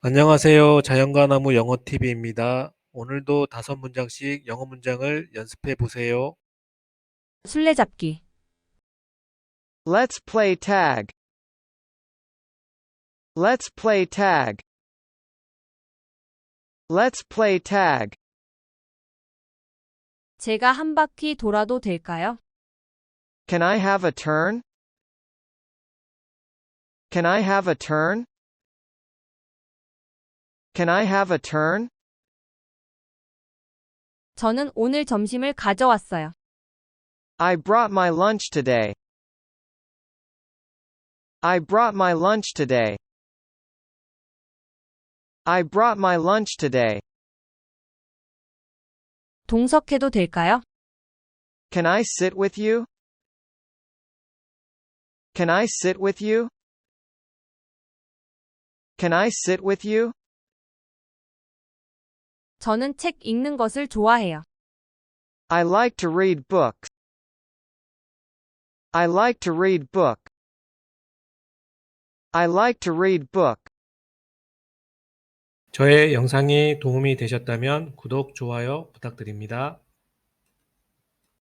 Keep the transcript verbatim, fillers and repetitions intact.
안녕하세요. 자연과 나무 영어티비입니다. 오늘도 다섯 문장씩 영어 문장을 연습해 보세요. 술래잡기. Let's play tag. Let's play tag. Let's play tag. 제가 한 바퀴 돌아도 될까요? Can I have a turn? Can I have a turn? Can I have a turn? 저는 오늘 점심을 가져왔어요. I brought my lunch today. I brought my lunch today. I brought my lunch today. 동석해도 될까요? Can I sit with you? Can I sit with you? Can I sit with you? 저는 책 읽는 것을 좋아해요. I like to read books. I like to read book. I like to read book. 저의 영상이 도움이 되셨다면 구독, 좋아요 부탁드립니다.